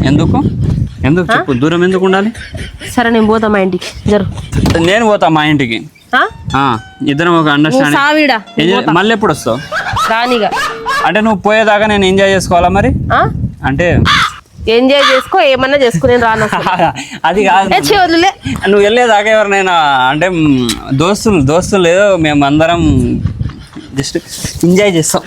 ఎందుకు ఎందుకు చెప్పు, దూరం ఎందుకు ఉండాలి? సరే నేను పోతా మా ఇంటికి జరు. నేను పోతా మా ఇంటికి. ఇద్దరం ఒక అండర్స్టాండింగ్. మళ్ళీ ఎప్పుడు వస్తావు? రానిగా. అంటే నువ్వు పోయేదాకా నేను ఎంజాయ్ చేసుకోవాలా మరి? అంటే ఎంజాయ్ చేసుకో, ఏమన్నా చేసుకో, నేను రాను. అది కాదు, నువ్వు వెళ్ళేదాకా ఎవరినైనా అంటే దోస్తులు లేదు, మేము అందరం జస్ట్ ఎంజాయ్ చేస్తాం.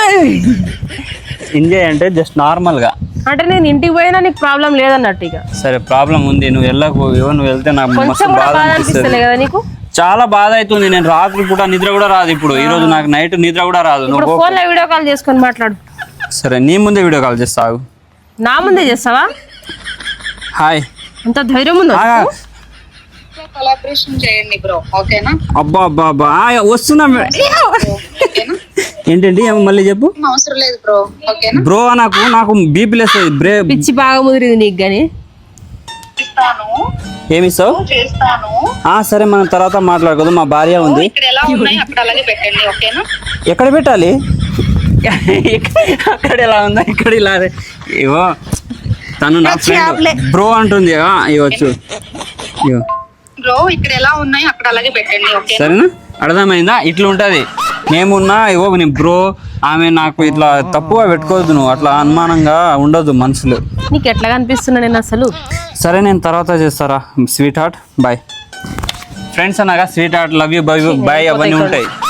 ఎంజాయ్ అంటే జస్ట్ నార్మల్గా. అంటే నేను ఇంటికి పోయినా నీకు ప్రాబ్లం లేదన్నట్టు. ఇక సరే ప్రాబ్లం ఉంది, నువ్వు వెళ్ళకు. నువ్వు వెళ్తే నాకు మస్తు బాధ అనిపిస్తుంది కదా నీకు. చాలా బాధ అవుతుంది. నేను రాత్రి పూట నిద్ర కూడా రాదు. ఇప్పుడు ఈ రోజు నాకు నైట్ నిద్ర కూడా రాదు. నువ్వు ఫోన్లో వీడియో కాల్ చేసుకొని మాట్లాడు. సరే నీ ముందే వీడియో కాల్ చేస్తావు. నా ముందే చేస్తావా? హాయ్. అంత ధైర్యం ఉందా? కొలాబరేషన్ చేయండి బ్రో, ఓకేనా? అబ్బా అబ్బా అబ్బా వస్తున్నా. ఏంటండి మళ్ళీ చెప్పు. అవసరం లేదు బ్రో, ఓకేనా? బ్రో నాకు బీపీ లేస్తుంది. పిచ్చి బాగా ముదిరింది నీకు గానీ. ఏమి ఇస్తావు? సరే మనం తర్వాత మాట్లాడుకోదు. మా భార్య ఉంది. ఎక్కడ పెట్టాలి? అక్కడ ఎలా ఉందా, ఇక్కడ ఇలా. ఇవో తను నా ఫ్రెండ్ బ్రో అంటుంది. ఇవ్వచ్చు బ్రో, ఇక్కడ ఎలా ఉన్నాయి అక్కడ అలాగే పెట్టండి, ఓకే? సరేనా? అర్థమైందా? ఇట్లా ఉంటది. మేమున్నా ఇవో నీ బ్రో, ఆమె నాకు ఇట్లా తప్పుగా పెట్టుకోవద్దు. నువ్వు అట్లా అనుమానంగా ఉండదు మనసులో. నీకు ఎట్లా కనిపిస్తున్నా నేను అసలు? సరే నేను తర్వాత చేస్తారా. Sweetheart boy. ఫ్రెండ్స్ అనగా sweetheart, love you, bye అవన్నీ ఉంటాయి.